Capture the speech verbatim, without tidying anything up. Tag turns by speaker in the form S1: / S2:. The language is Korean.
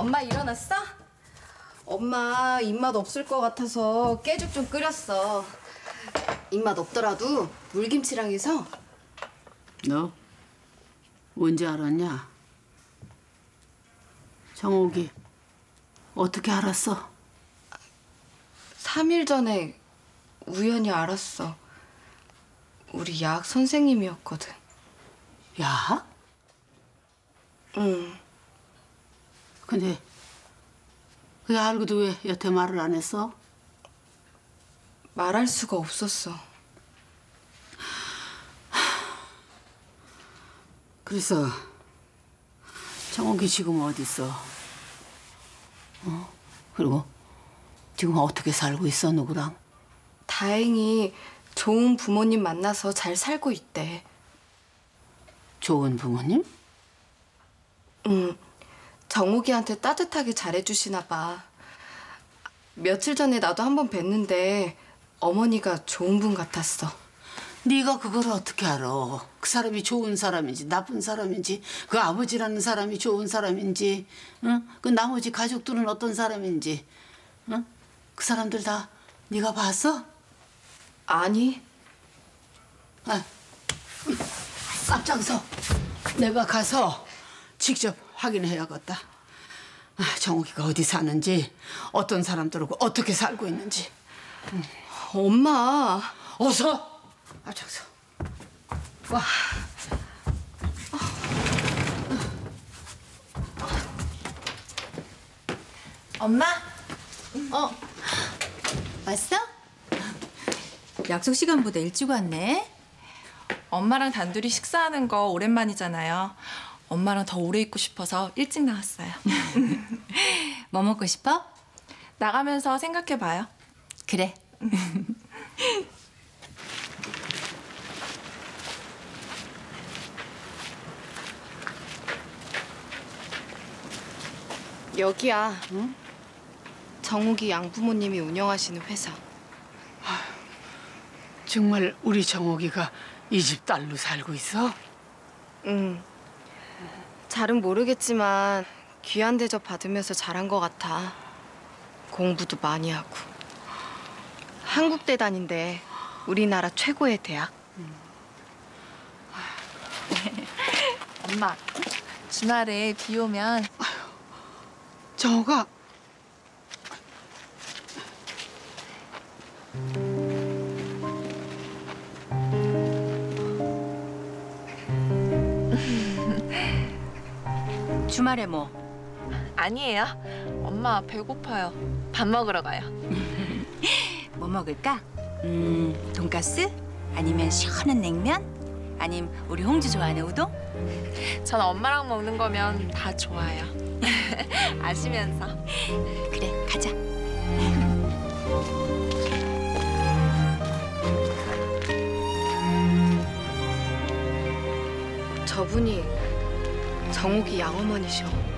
S1: 엄마 일어났어? 엄마 입맛 없을 것 같아서 깨죽 좀 끓였어. 입맛 없더라도 물김치랑 해서.
S2: 너 언제 알았냐? 정옥이 어떻게 알았어?
S1: 삼 일 전에 우연히 알았어. 우리 야학 선생님이었거든.
S2: 야학?
S1: 응.
S2: 근데 그게 알고도 왜 여태 말을 안 했어?
S1: 말할 수가 없었어.
S2: 그래서 정옥이 지금 어디 있어? 어? 그리고 지금 어떻게 살고 있어, 누구랑?
S1: 다행히 좋은 부모님 만나서 잘 살고 있대.
S2: 좋은 부모님?
S1: 응. 정욱이한테 따뜻하게 잘해주시나 봐. 며칠 전에 나도 한번 뵀는데 어머니가 좋은 분 같았어.
S2: 네가 그걸 어떻게 알아? 그 사람이 좋은 사람인지 나쁜 사람인지 그 아버지라는 사람이 좋은 사람인지 응? 그 나머지 가족들은 어떤 사람인지 응? 그 사람들 다 네가 봤어?
S1: 아니.
S2: 아, 앞장서. 내가 가서 직접 확인해야겠다. 아, 정욱이가 어디 사는지 어떤 사람들하고 어떻게 살고 있는지. 응.
S1: 엄마.
S2: 어서 앞장서. 와.
S3: 엄마? 어. 왔어? 약속 시간보다 일찍 왔네.
S4: 엄마랑 단둘이 식사하는 거 오랜만이잖아요. 엄마랑 더 오래 있고 싶어서 일찍 나왔어요.
S3: 뭐 먹고 싶어?
S4: 나가면서 생각해봐요.
S3: 그래.
S1: 여기야. 응? 정욱이 양부모님이 운영하시는 회사.
S2: 정말 우리 정옥이가 이 집 딸로 살고 있어?
S1: 응. 잘은 모르겠지만 귀한 대접 받으면서 자란 것 같아. 공부도 많이 하고. 한국대 다닌대. 우리나라 최고의 대학.
S4: 엄마, 주말에 비 오면
S2: 정옥아.
S3: 주말에 뭐?
S4: 아니에요. 엄마 배고파요. 밥 먹으러 가요.
S3: 뭐 먹을까? 음, 돈가스? 아니면 시원한 냉면? 아니면 우리 홍주 좋아하는 우동?
S4: 전 엄마랑 먹는 거면 다 좋아요. 아시면서.
S3: 그래, 가자.
S1: 저분이 정욱이 양어머니셔.